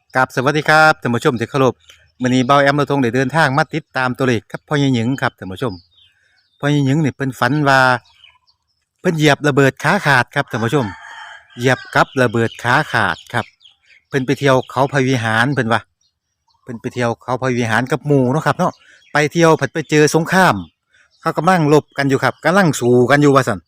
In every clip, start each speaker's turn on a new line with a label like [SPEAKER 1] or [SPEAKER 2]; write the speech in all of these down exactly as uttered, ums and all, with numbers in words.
[SPEAKER 1] กับสวัสดีครับท่านผู้ชมที่เคารพมื้อนี้เบาแอมเราทงได้เดินทางมาติดตามตัวเลขครับพ่อใหญ่หญิงครับท่านผู้ชมพ่อใหญ่หญิงนี่เพิ่นฝันว่าเพิ่นเหยียบระเบิดขาขาดครับท่านผู้ชมเหยียบกับระเบิดขาขาดครับเพิ่นไปเที่ยวเขาพระวิหารเพิ่นว่าเพิ่นไปเที่ยวเขาพระวิหารกับหมู่เนาะครับเนาะไปเที่ยวผัดไปเจอสงครามเขากำลังรบกันอยู่ครับกำลังสู้กันอยู่ว่าซั่น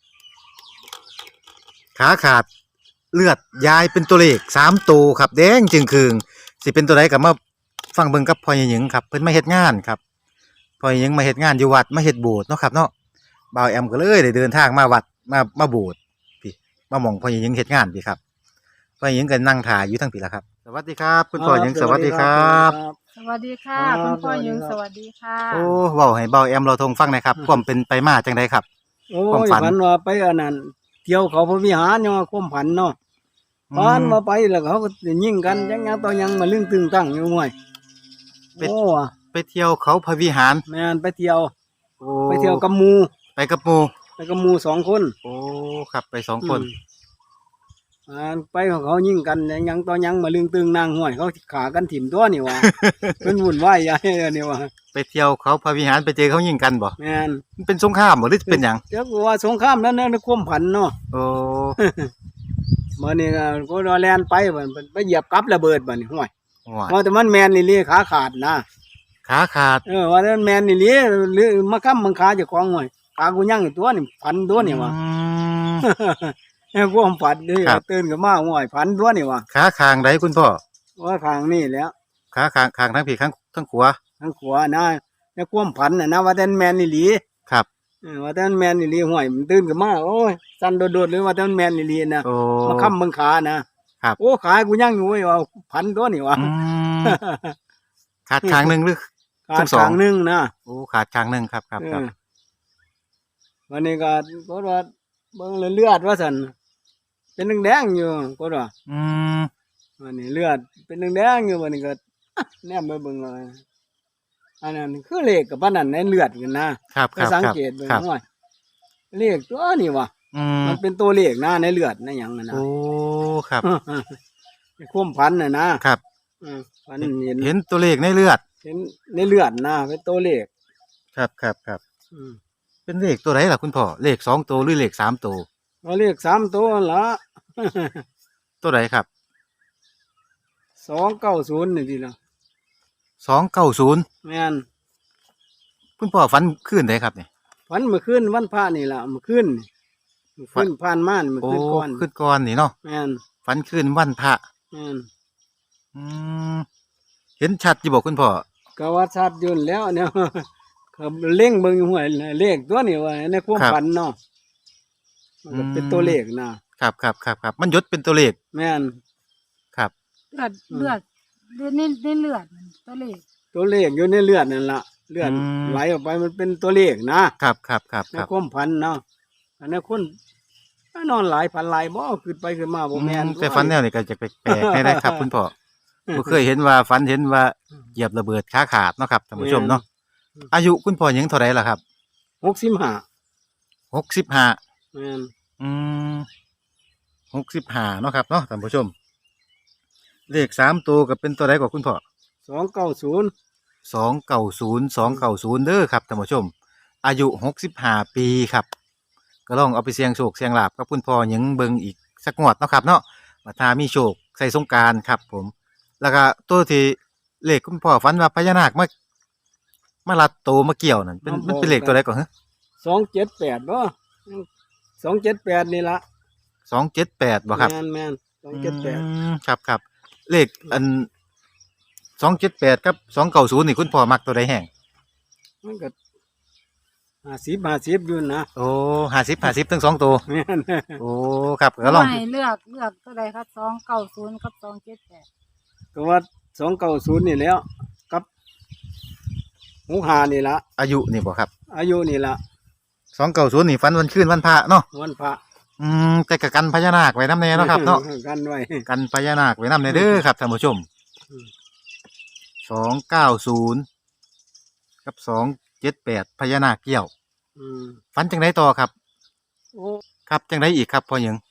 [SPEAKER 1] ขาขาดเลือดยายเป็นตัวเลขสามตัวครับแดงจึงคืง สิเป็นตัวใดก็มาฟังเบิ่งกับพ่อใหญ่หญิงครับเพิ่นมาเฮ็ดงานครับพ่อใหญ่หญิงมาเฮ็ดงานอยู่วัดมาเฮ็ดโบสถ์เนาะครับเนาะบ่าวแอมก็เลยได้เดินทางมาวัดมามาโบสถ์พี่มาหม้องพ่อใหญ่หญิงเฮ็ดงานพี่ครับพ่อใหญ่หญิงก็นั่งท่าอยู่ทั้งพี่ล่ะครับสวัสดีครับคุณพ่อหญิงสวัสดีครับ
[SPEAKER 2] สวัสดีค่ะ
[SPEAKER 3] ครั
[SPEAKER 2] คุณ
[SPEAKER 3] บ
[SPEAKER 2] พ่อหญิงส
[SPEAKER 3] สวั
[SPEAKER 2] วั
[SPEAKER 3] ส
[SPEAKER 2] ส
[SPEAKER 3] ดี
[SPEAKER 2] ดี
[SPEAKER 3] ครั
[SPEAKER 2] ค่ะ
[SPEAKER 1] โอ้เว้าให้บ่าวแอมเราทงฟังหน่อยครับความเป็นไปมาจังไดครับ
[SPEAKER 3] โอ้
[SPEAKER 1] ความ
[SPEAKER 3] ย
[SPEAKER 1] ฝัน
[SPEAKER 3] ฝันว่าไปอันนั้นเที่ยวเขาพระวิหารเนี่ยความฝันเนาะ
[SPEAKER 1] อืม
[SPEAKER 3] ฝันมาไปแล้วเขาก็สิยิงกันยังยังต่อยังมาลึงตึงตั้งอยู่ห่วย
[SPEAKER 1] เป็น
[SPEAKER 3] โอ้ว่ะ
[SPEAKER 1] ไปเที่ยวเขาพระวิหาร
[SPEAKER 3] แม่นไปเที่ยว
[SPEAKER 1] โอ้
[SPEAKER 3] ไปเที่ยวกับหมู่
[SPEAKER 1] ไปกับหมู่
[SPEAKER 3] ไปกับหมู่สองคน
[SPEAKER 1] โอ้ครับไปสองคน
[SPEAKER 3] อืมอ่าไปของเขายิงกันยังยังต่อยังมาลึงตึงนางห่วยเขาขากันถิ่มตัวนี่ ว่ะ เป็นวุ่นวายใหญ่นี่ว่ะ
[SPEAKER 1] ไปเที่ยวเขาพระวิหารไปเจอเขายิงกันบ่
[SPEAKER 3] แม่น
[SPEAKER 1] มันเป็นสงครามบ่หรือเป็นหยัง
[SPEAKER 3] เดี๋ยวกูว่าสงครามนั้นในความฝันเนาะ
[SPEAKER 1] โอ้
[SPEAKER 3] มื้อนี้ก็ก็รอแล่นไปบัดไปเหยียบกับระเบิดบัดนี้ห่วย
[SPEAKER 1] ว้าย
[SPEAKER 3] ว่าแต่มันแม่นนี่ลีขาขาดนะ
[SPEAKER 1] ขาขาด
[SPEAKER 3] เออว่าแต่มันแม่นนี่ลีหรือมาค้ำมังคาเจ้าของห่วยขากูยังอยู่ตัวนี่พันตัวนี่ว่ะ
[SPEAKER 1] อืม
[SPEAKER 3] เออความฝันนี่
[SPEAKER 1] ครับ
[SPEAKER 3] ตื่นขึ้นมาห่วยพันตัวนี่ว่ะ
[SPEAKER 1] ขาคางใดคุณพ่อ
[SPEAKER 3] ว่าข้างนี่แหล้ว
[SPEAKER 1] ขาคางคางทั้งผีทั้งทั้งขวา
[SPEAKER 3] ทางขวานะในความฝันน่ะนะว่าแต่มันแม่นนี่ลี
[SPEAKER 1] ครับ
[SPEAKER 3] เออว่าแต่มันแม่นนี่ลีห่วยมันตื่นขึ้นมาโอ้ยสั่นโดดๆเลยว่าแต่มันแม่นนี่ลีนะ
[SPEAKER 1] โอ้
[SPEAKER 3] มาค้ำมังคานะครับ โอ้ขากูยังอยู่เว้ยว่าพันตัวนี่ว่ะ
[SPEAKER 1] อืมขาดคางหนึ่งหรือ
[SPEAKER 3] ขา
[SPEAKER 1] ทั้
[SPEAKER 3] ด
[SPEAKER 1] งสอง
[SPEAKER 3] ข้างหนึงนะ
[SPEAKER 1] โอ้ขาดคางหนึ่งครับครับครับ
[SPEAKER 3] เออวันนี้ก็ก็ว่าเบิ่งเลือดว่าซั่นเป็นแดงๆอยู่ก็ว่า
[SPEAKER 1] อืม
[SPEAKER 3] วันนี้เลือดเป็นแดงๆอยู่วันนี้ก็ แนมไปเบิ่งเลยอันนั้นคือเลขกับปานนั้นในเลือดกันนะครับ
[SPEAKER 1] ค
[SPEAKER 3] ไป
[SPEAKER 1] รับ
[SPEAKER 3] สัง
[SPEAKER 1] ครับ
[SPEAKER 3] เกตเบิ่ง
[SPEAKER 1] ครับ
[SPEAKER 3] ว่าเลขตัวนี้ว่ะ
[SPEAKER 1] อืม
[SPEAKER 3] มันเป็นตัวเลขนะในเลือดในหยังนั่นนะ
[SPEAKER 1] โอ้ครับ
[SPEAKER 3] ในความพันน่ะนะครับ อืมพันเห็น
[SPEAKER 1] เห็นตัวเลขในเลือด
[SPEAKER 3] เห็นในเลือดนะเป็นตัวเลข
[SPEAKER 1] ครับครับครับ
[SPEAKER 3] อืม
[SPEAKER 1] เป็นเลขตัวไหนล่ะคุณพ่อเลขสองตัวหรือเลขสามตัว
[SPEAKER 3] เอาเลขสามตัวละ
[SPEAKER 1] ตัวไหนครับ
[SPEAKER 3] สองเก้าศูนย์นี่ทีละ
[SPEAKER 1] สองเก้าศูนย์
[SPEAKER 3] แม่น
[SPEAKER 1] คุณพ่อฝันขึ้นได้ครับเนี่ย
[SPEAKER 3] ฝันเมื่อคืนวันพระนี่ล่ะเมื่อคืนนี่เมื่อคืนผ่านมานี่เมื่อ
[SPEAKER 1] โอ้
[SPEAKER 3] คืนก่อน
[SPEAKER 1] ขึ้นก่อนนี่เนาะ
[SPEAKER 3] แม่น
[SPEAKER 1] ฝันขึ้นวันพระ
[SPEAKER 3] แม่น
[SPEAKER 1] อืมเห็นชัดอยู่บอกคุณพ่อ
[SPEAKER 3] ก็ว่าชัดอยุ่นนแหล้วเนี่ย ก็เล่งเบิ่งอยู่ห้วยเลขตัวนี้ว่าในความฝันเนาะมันก็เป็นตัวเลขนะครับ
[SPEAKER 1] ครับครับครับมันยศเป็นตัวเลข
[SPEAKER 3] แม่น
[SPEAKER 1] ครับ
[SPEAKER 2] เลือดเลือดเลือดนี่นี่เลือดมันตัวเลข
[SPEAKER 3] ตัวเลขอยู่ในเลือดนั่นล่ะเลือด
[SPEAKER 1] อืม
[SPEAKER 3] ไหลออกไปมันเป็นตัวเลขนะครับ
[SPEAKER 1] ครับครับ
[SPEAKER 3] ใน
[SPEAKER 1] ครับ
[SPEAKER 3] ความฝันเนาะอันนี้คนนอนหลายพันหลายบ่ขึ้นไปขึ้นมาบ่แม่น
[SPEAKER 1] อืมแต่ฝันแนวนี้ก็จะแปลกๆได้ครับ คุณพ่อบ่เคยเห็นว่าฝันเห็นว่าเหยียบระเบิดขาขาดเนาะครับท่านผู้ชมเนาะอายุคุณพ่อยังเท่าไหร่ล่ะครับ
[SPEAKER 3] หกสิบห้า
[SPEAKER 1] หกสิบห้า
[SPEAKER 3] แม่น
[SPEAKER 1] อืมหกสิบห้าเนาะครับเนาะท่านผู้ชม เลขสามตัวก็เป็นตัวใดกว่าคุณพ่อ
[SPEAKER 3] สองเก้าศูนย์
[SPEAKER 1] สองเก้าศูนย์สองเก้าศูนย์เด้อครับท่านผู้ชม อายุหกสิบห้าปีครับ ก็ลองเอาไปเสี่ยงโชคเสี่ยงลาบกับคุณพ่อหยังเบิ่งอีกสักงวดเนาะครับเนาะว่าถ้ามีโชคใส่สงกรานต์ครับ ผม แล้วก็ตัวที่เลขคุณพ่อฝันว่าพญานาคมามาลัดโตมาเกี่ยวนั่นเป็นมันเป็นเลขตัวใดก่อนฮะ
[SPEAKER 3] สองเจ็ดแปดบ่สองเจ็ดแปดนี่ละ
[SPEAKER 1] สองเจ็ดแปดบ่ครับ
[SPEAKER 3] แม่นแม่นสองเจ็ดแปด
[SPEAKER 1] อืมครับครับเลขอันสองเจ็ดแปดกับสองเก้าศูนย์นี่คุณพ่อมักตัวใดแห่ง
[SPEAKER 3] มันก็ห้าสิบห้าสิบอยู่นะ
[SPEAKER 1] โอ้ห้าสิบห้าสิบทั้งสองตัว
[SPEAKER 3] แม่น
[SPEAKER 1] โอ้ครับก็ลอง
[SPEAKER 2] ไม่เลือกเลือกตัวใดครับสองเก้าศูนย์กับสองเจ็ดแปด
[SPEAKER 3] ก็ว่าสองเก้าศูนย์นี่แล้วกับหกห้านี่ละ
[SPEAKER 1] อายุนี่บ่ครับ
[SPEAKER 3] อายุนี่ละ
[SPEAKER 1] สองเก้าศูนย์นี่ฝันวันคืนวันพระเนาะ
[SPEAKER 3] วันพระ
[SPEAKER 1] อืมแต่กับกันพญานาคไว้น้ำแน่เนาะครับเนาะ
[SPEAKER 3] กันไว้
[SPEAKER 1] กันพญานาคไว้น้ำแน่เด้อครับท่านผู้ชม
[SPEAKER 3] อืม
[SPEAKER 1] สองเก้าศูนย์กับสองเจ็ดแปดพญานาคเกี่ยว
[SPEAKER 3] อืม
[SPEAKER 1] ฝันจังไดต่อครับ
[SPEAKER 3] โอ้
[SPEAKER 1] ครับจังไดอีกครับพ่อหยัง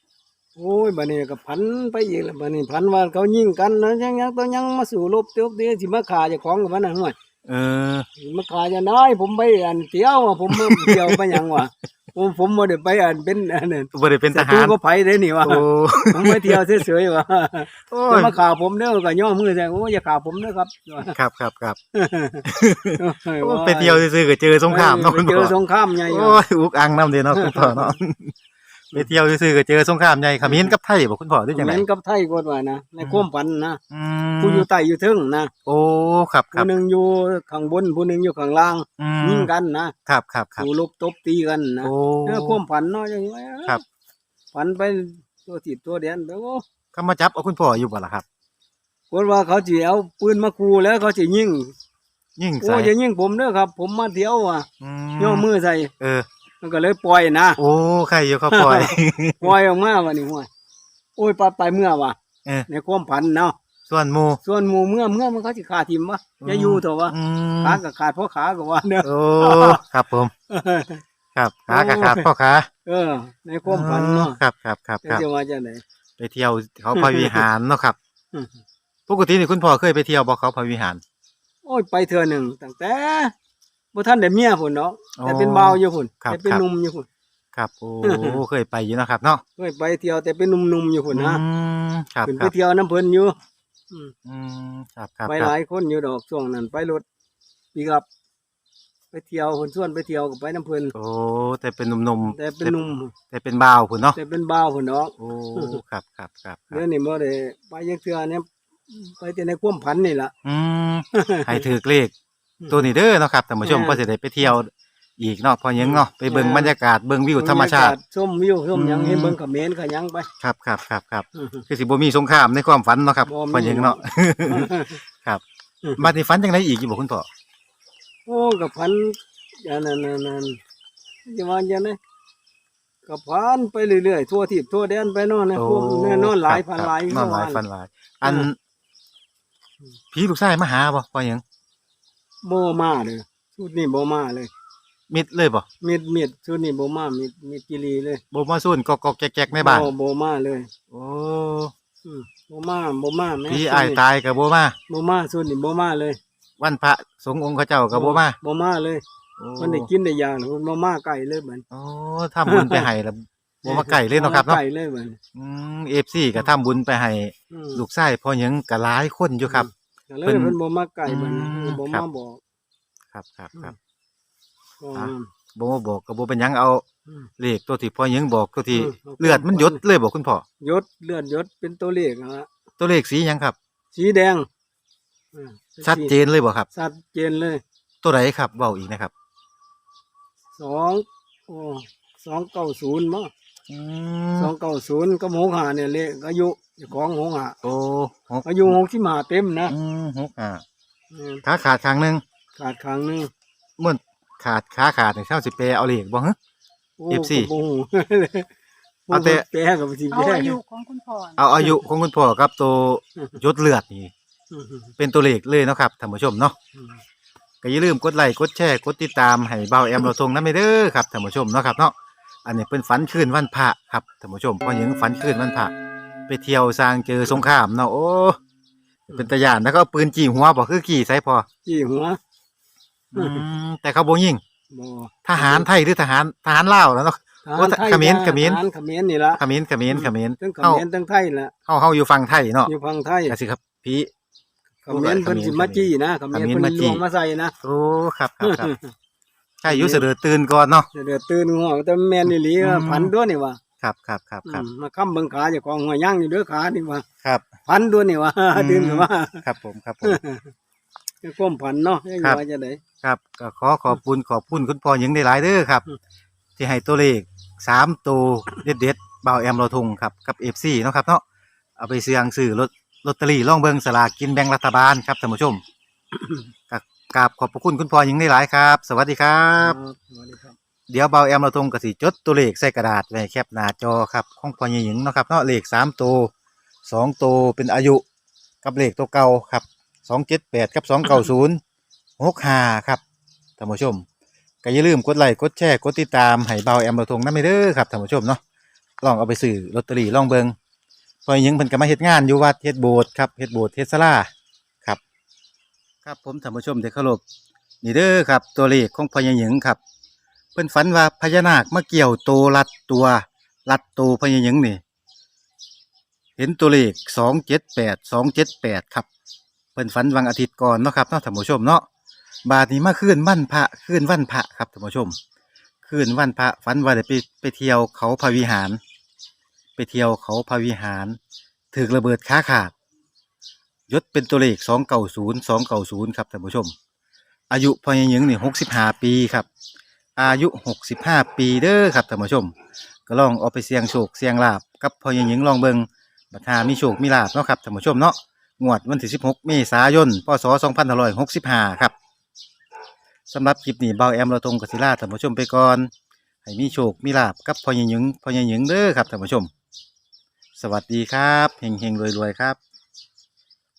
[SPEAKER 3] โอ้ยบัดนี้ก็พันไปอีกแล้วบัดนี้พันว่าเขายิงกันนะยังยังตัวยังมาสู่รบเตียวเตียวสิมาฆ่าเจ้าของกับมันน่ะห่วย
[SPEAKER 1] เออ
[SPEAKER 3] มาฆ่าจะน้อยผมไปอันเที่ยวอะผมมาเที่ยวไปหยังวะผมผมบ่ได้ไปอันเป็นอันนั้น
[SPEAKER 1] บ่ได้เป็นท
[SPEAKER 3] ศัต
[SPEAKER 1] หา
[SPEAKER 3] รู
[SPEAKER 1] ร
[SPEAKER 3] ก็ไผเด้นี่วะ
[SPEAKER 1] โอ้
[SPEAKER 3] ผมไปเที่ยวเฉยๆวะ
[SPEAKER 1] โอ้
[SPEAKER 3] จะ
[SPEAKER 1] ย
[SPEAKER 3] มาฆ่าผมเด้อก็ย่อมือใส่โอ้ยอย่าฆ่าผมเด้อครับ
[SPEAKER 1] ครับครับครับโอ้ไปเที่ยวซื่อๆก็เจอสงครามเนาะ
[SPEAKER 3] ไป
[SPEAKER 1] คุณ
[SPEAKER 3] เจ
[SPEAKER 1] พ่
[SPEAKER 3] อ
[SPEAKER 1] อ
[SPEAKER 3] สงครามใหญ่อยู่
[SPEAKER 1] โอ้ยอุกอังนำเด้เนาะคุณพ่อเนาะไปเที่ยวซื่อๆก็เจอสงครามใหญ่เขมรกับไทยบ่คุณพ่อหรือจัง
[SPEAKER 3] เห
[SPEAKER 1] ได๋
[SPEAKER 3] มือนกับไทยกว่านะในความฝันนะ
[SPEAKER 1] อื
[SPEAKER 3] ผู้อยู่
[SPEAKER 1] ม
[SPEAKER 3] ใต้อยู่เทึงนะ
[SPEAKER 1] โอ้ครับครั
[SPEAKER 3] ผู้
[SPEAKER 1] บ
[SPEAKER 3] หนึงอยู่ข้างบนผู้หนึงอยู่ข้างล่าง
[SPEAKER 1] อื
[SPEAKER 3] ยิ
[SPEAKER 1] ม
[SPEAKER 3] งกันนะครับ
[SPEAKER 1] ครับครับ
[SPEAKER 3] สู่รบตบตีกันนะ
[SPEAKER 1] โอ้
[SPEAKER 3] เออความฝันเนาะอย่างนี้
[SPEAKER 1] ครับ
[SPEAKER 3] ฝันไปตัวติดตัวเดียนไปโอ้
[SPEAKER 1] เขามาจับเอาคุณพ่ออยู่บ่ล่ะครับ
[SPEAKER 3] คนว่าเขาสิเอาปืนมาขู่แล้วเขาสิยิง
[SPEAKER 1] ยิง
[SPEAKER 3] โอ้
[SPEAKER 1] ใส่
[SPEAKER 3] อย่ายิงผมเด้อครับ ผมมาเที่ยวอ่ะ
[SPEAKER 1] อื
[SPEAKER 3] ย่อมือใส่
[SPEAKER 1] เออ
[SPEAKER 3] มันก็เลยปล่อยนะ
[SPEAKER 1] โอ้ใครอยู่เขาปล่อย
[SPEAKER 3] ปล่อยออกมาวันนี้ห้วยโอ้ยไปไปเมื่อว่ะ
[SPEAKER 1] เออ
[SPEAKER 3] ในความฝันเนาะ
[SPEAKER 1] ส่วนหมู่
[SPEAKER 3] ส่วนหมู่เมื่อเมื่อมันเขาสิขาทิมวะอย่าอยู่เถอะวะ
[SPEAKER 1] อืม
[SPEAKER 3] ขาก็ขาดเพราะขาก็ว่าเด้อ
[SPEAKER 1] โอ้ครับผม ครับขากะขาดพ่อขา
[SPEAKER 3] เออ ในความฝันเนาะ
[SPEAKER 1] ครับครับครับ
[SPEAKER 3] จะ
[SPEAKER 1] ครับ
[SPEAKER 3] จะว่าจังได๋
[SPEAKER 1] ไปเที่ยวเขาพระวิหารเนาะครับ ปกตินี่คุณพ่อเคยไปเที่ยวบ่เขาพระวิหาร
[SPEAKER 3] โอ้ยไปเทื่อหนึ่งตั้งแต่บ่ทันได้เมียพุ่นเนาะ
[SPEAKER 1] อ๋อ
[SPEAKER 3] แต่เป็นบ่าวอยู่พุ่น
[SPEAKER 1] ครับ
[SPEAKER 3] แต่เป็น
[SPEAKER 1] ครับ
[SPEAKER 3] หนุ่มอยู่พุ่น
[SPEAKER 1] ครับโอ้เคยไปอยู่เนาะครับเนาะ
[SPEAKER 3] เคยไปเที่ยวแต่เป็นหนุ่มๆอยู่พุ่นนะ
[SPEAKER 1] อืมครับ
[SPEAKER 3] ขึ้น
[SPEAKER 1] ค
[SPEAKER 3] ไป
[SPEAKER 1] รับ
[SPEAKER 3] เที่ยวน้ำเพิ่นอยู่อืม
[SPEAKER 1] อืมครับครับ
[SPEAKER 3] ไป
[SPEAKER 1] ค
[SPEAKER 3] ห
[SPEAKER 1] รับ
[SPEAKER 3] ลายคนอยู่ดอกช่วงนั้นไปรถปีกับ ไปเที่ยวเพิ่นชวนไปเที่ยวก็ไปน้ำเพิ่น
[SPEAKER 1] โอ้แต่เป็นหนุ่มๆ
[SPEAKER 3] แต่เป็นหนุ่ม
[SPEAKER 1] แต่เป็นบ่าวพุ่นเนาะ
[SPEAKER 3] แต่เป็นบ่าวพุ่นเนาะ
[SPEAKER 1] โอ้ครับครับครับครั
[SPEAKER 3] เดี๋ย
[SPEAKER 1] บ
[SPEAKER 3] วนี้บ่ได้ไปยังเทื่อเนี่ยไปแต่ในความฝันนี่ล่ะ
[SPEAKER 1] อืมให้ถือเลขตัวนี้เด้อเนาะครับท่านผู้ชม
[SPEAKER 3] แม่
[SPEAKER 1] ก็สิได้ไปเที่ยวอีกเนาะพอหยังเนาะไปเบิ่ง
[SPEAKER 3] แม่
[SPEAKER 1] บรรยากาศเบิ่งวิวธรรมชาติ
[SPEAKER 3] ชมวิวชมหยัง
[SPEAKER 1] อืม
[SPEAKER 3] ให้เบิ่งเขมรก็หยังไป
[SPEAKER 1] ครับครับครับครับคือสิบ่มีสงครามในความฝันเนาะครับ
[SPEAKER 3] บ่มี
[SPEAKER 1] พอหยังเนาะ ครับบัดนี้ฝันจังไดอีกอยู่บ่คุณพ่อ
[SPEAKER 3] โอ้กับพันอย่างนั้นนั่นนั่นจะว่าอย่างนั้นกับพันไปเรื่อยๆทั่วทิศทั่วแดนไปเนอนนะพวกแน่นอนหลายพัน
[SPEAKER 1] ครับ
[SPEAKER 3] หลาย
[SPEAKER 1] นอนหลาย
[SPEAKER 3] เมื่อว
[SPEAKER 1] พันหลาย อัน
[SPEAKER 3] อืม
[SPEAKER 1] ผีลูกชายมาหาบ่พอหยัง
[SPEAKER 3] โบมาเลยชุดนี้โบมาเลย
[SPEAKER 1] มิดเลยบ่
[SPEAKER 3] มีดมีดชุดนี้โบมามีดมีดกิรีเลย
[SPEAKER 1] บ่มาซุ่นกอกๆแก๊กๆในบ้าน
[SPEAKER 3] โบโบมาเลย
[SPEAKER 1] โอ้
[SPEAKER 3] อืมโบมาโบมาแม่
[SPEAKER 1] ผีอ้ายตายก็บ่มา
[SPEAKER 3] โบมาชุดนี้โบมาเลย
[SPEAKER 1] วันพระสงฆ์องค์เขาเจ้าก็บ่มา
[SPEAKER 3] โบมาเลย
[SPEAKER 1] โอ้
[SPEAKER 3] มันได้กินได้ยาหรือมันบ่มาไก่เลยเหมือน
[SPEAKER 1] โอ้ทำบุญไปให้แล้วบ่มาไก่เลยเนาะครับเนาะ
[SPEAKER 3] ไก่เลยเหมือน
[SPEAKER 1] อืม เอฟ ซี ก็ทำบุญไปให้
[SPEAKER 3] อืม
[SPEAKER 1] ลูกชายพอหยังก็หลายคนอยู่ครับ
[SPEAKER 3] ก็เลย
[SPEAKER 1] เพิ่น
[SPEAKER 3] เพิ่นบ่มาไก่เหมือน
[SPEAKER 1] อืม
[SPEAKER 3] บ่
[SPEAKER 1] ครั
[SPEAKER 3] มา
[SPEAKER 1] บ
[SPEAKER 3] บอก
[SPEAKER 1] ครับครับครับ
[SPEAKER 3] ก็
[SPEAKER 1] อ่ะ บ่มาบอกก็บ่เป็นหยังเอา
[SPEAKER 3] อืม
[SPEAKER 1] เลขตัวที่พอหยังบอกตัวที่
[SPEAKER 3] อืมเอา
[SPEAKER 1] เลือดมันหยดเลยบอกคุณพ่อย
[SPEAKER 3] ศเลือดยศเป็นตัวเลขนะฮะ
[SPEAKER 1] ตัวเลขสีหยังครับ
[SPEAKER 3] สีแดงอืม
[SPEAKER 1] ชัดเจนเลยบ่ครับ
[SPEAKER 3] ชัดเจนเลย
[SPEAKER 1] ตัวไหนครับเว้าอีกนะครับ
[SPEAKER 3] สองโอ้สองเก้าศูนย์มั้ง
[SPEAKER 1] อื
[SPEAKER 3] สอ
[SPEAKER 1] ม
[SPEAKER 3] งเก้าศูนย์ก็หกห้าเนี่ยเลขอายุเจ้าของหกห้า
[SPEAKER 1] โอ้หก
[SPEAKER 3] อายุหกสิบห้าเต็มนะ
[SPEAKER 1] อืมหกอ่า
[SPEAKER 3] อืม
[SPEAKER 1] ขาขาดข้างหนึง
[SPEAKER 3] ขาดข้างหนึง
[SPEAKER 1] มื่นขาดขาขาดนี่เท่าสิแปลเอาเลขบ่ฮะ
[SPEAKER 3] โอ้
[SPEAKER 1] เอฟซี
[SPEAKER 3] ก็บ่ฮู้
[SPEAKER 1] เอาแต่
[SPEAKER 3] แปลกับสิ
[SPEAKER 2] เอา
[SPEAKER 3] แปล
[SPEAKER 2] อายุของคุณพ่อน่ะ
[SPEAKER 1] เอาอายุของคุณพ่อกับตัวหยดเลือดนี่
[SPEAKER 3] อืม
[SPEAKER 1] เป็นตัวเลขเลยเนาะครับท่านผู้ชมเนาะ
[SPEAKER 3] อืม
[SPEAKER 1] ก็อย่าลืมกดไลค์กดแชร์กดติดตามให้เบาแอมเราทงนำเด้อครับท่านผู้ชมเนาะครับเนาะอันนี้เป็นฝันคืนวันพระครับท่านผู้ชมพอหยังฝันคืนวันพระไปเที่ยวสร้างเจอสงครามเนาะโอ้เป็นตาย่านแล้วก็เอาปืนจี้หัวบ่คือกี่ไสพอ
[SPEAKER 3] จี้หัว
[SPEAKER 1] อืมแต่เขาบ่ยิง
[SPEAKER 3] บ่
[SPEAKER 1] ทหารไทยหรือทหารทหารลาวแล้วเนาะ
[SPEAKER 3] ทหาร
[SPEAKER 1] โอ้
[SPEAKER 3] ไทย
[SPEAKER 1] เขมร
[SPEAKER 3] นะ
[SPEAKER 1] เขมร
[SPEAKER 3] ทหารเขมรนี่ละ
[SPEAKER 1] เขมรเขมรเขมร
[SPEAKER 3] ทั้งเข
[SPEAKER 1] เฮาม
[SPEAKER 3] รทั้งไทยละ
[SPEAKER 1] เฮาเฮาอยู่ฝั่งไทยเนาะ
[SPEAKER 3] อยู่ฝั่งไทย
[SPEAKER 1] ก็สิครับพี่
[SPEAKER 3] เขมรเพิ่นสิมาจี้นะเขมร
[SPEAKER 1] เขมร
[SPEAKER 3] เพิ่น
[SPEAKER 1] มาจี้
[SPEAKER 3] ลวงมาใส่นะ
[SPEAKER 1] โอ้ครับครับครับใช่อยู่เสดอตื่นก่อนเนาะ
[SPEAKER 3] เดี๋ยวตื่นหัวแต่แม่นอีหลี
[SPEAKER 1] อืม
[SPEAKER 3] พันตัวนี่ว่า
[SPEAKER 1] ครับครับครับครับ
[SPEAKER 3] มาค้ำเบิ่งขาเจ้าของหัวย่างอยู่เด้อขานี่ว่า
[SPEAKER 1] ครับ
[SPEAKER 3] พันตัวนี่ว่า
[SPEAKER 1] อืม
[SPEAKER 3] ตื่นขึ้นมา
[SPEAKER 1] ครับผมครับผม
[SPEAKER 3] ก็ความพันเนาะยัง
[SPEAKER 1] ครับ
[SPEAKER 3] ว่าจะได้
[SPEAKER 1] ครับก็ขอขอบคุณขอบคุณคุณพ่อหญิงได้หลายเด้อครับ
[SPEAKER 3] อืม
[SPEAKER 1] ที่ให้ตัวเลขสามตัวเด็ดเด็ดๆเบาแอมเราทงครับกับเอฟซีเนาะครับเนาะเอาไปเสี่ยงซื้อลอตลอตเตอรี่ล่องเบิงสลากกินแบ่งรัฐบาลครับท่านผู้ชม กกราบขอบพระคุณคุณพ่อหญิงได้หลายครับ สวัสดีครับ
[SPEAKER 3] สวัสดีครับ
[SPEAKER 1] เดี๋ยวเบาแอมเราทงกสิจดตัวเลขใส่กระดาษไว้แคปหน้าจอครับของพ่อหญิงเนาะครับเนาะเลขสามตัวสองตัวเป็นอายุกับเลขตัวเก่าครับสองเจ็ดแปดกับสองเก้าศูนย์หกห้าครับท่านผู้ชม ก็อย่าลืมกดไลค์กดแชร์กดติดตามให้เบาแอมเราทงนั่นไปเด้อครับท่านผู้ชมเนาะลองเอาไปซื้อลอตเตอรี่ลองเบิงพอหยังเพิ่นก็มาเฮ็ดงานอยู่วัดเฮ็ดโบสถ์ครับเฮ็ดโบสถ์เฮ็ดศาลาครับครับผมท่านผู้ชมที่เคารพนี่เด้อครับตัวเลขของพ่อใหญ่หยังครับเพิ่นฝันว่าพญานาคมาเกี่ยวโตรัดตัวรัดโตพ่อใหญ่หยังนี่เห็นตัวเลขสองเจ็ดแปด สองเจ็ดแปดครับเพิ่นฝันวันอาทิตย์ก่อนเนาะครับเนาะท่านผู้ชมเนาะบาดนี้มาคืนวันพระคืนวันพระครับท่านผู้ชมคืนวันพระฝันว่าได้ไปไปเที่ยวเขาพระวิหาร ไปเที่ยวเขาพระวิหารถูกระเบิดขาขาดยศเป็นตัวเลขสองเก้าศูนย์สองเก้าศูนย์ครับท่านผู้ชมอายุพ่อใหญ่หยังนี่หกสิบห้าปีครับอายุหกสิบห้าปีเด้อครับท่านผู้ชมก็ลองเอาไปเสี่ยงโชคเสี่ยงลาบกับพ่อใหญ่หยังลองเบิงบัดหามีโชคมีลาบเนาะครับท่านผู้ชมเนาะงวดวันที่สิบหกเมษายนพศสองพันห้าร้อยหกสิบห้าครับสำหรับคลิปนี้เบาแอมเราตรงกสิลาท่านผู้ชมไปก่อนให้มีโชคมีลาบกับพ่อใหญ่หยังพ่อใหญ่หยังเด้อครับท่านผู้ชมสวัสดีครับเฮงเฮงรวยรวยครับ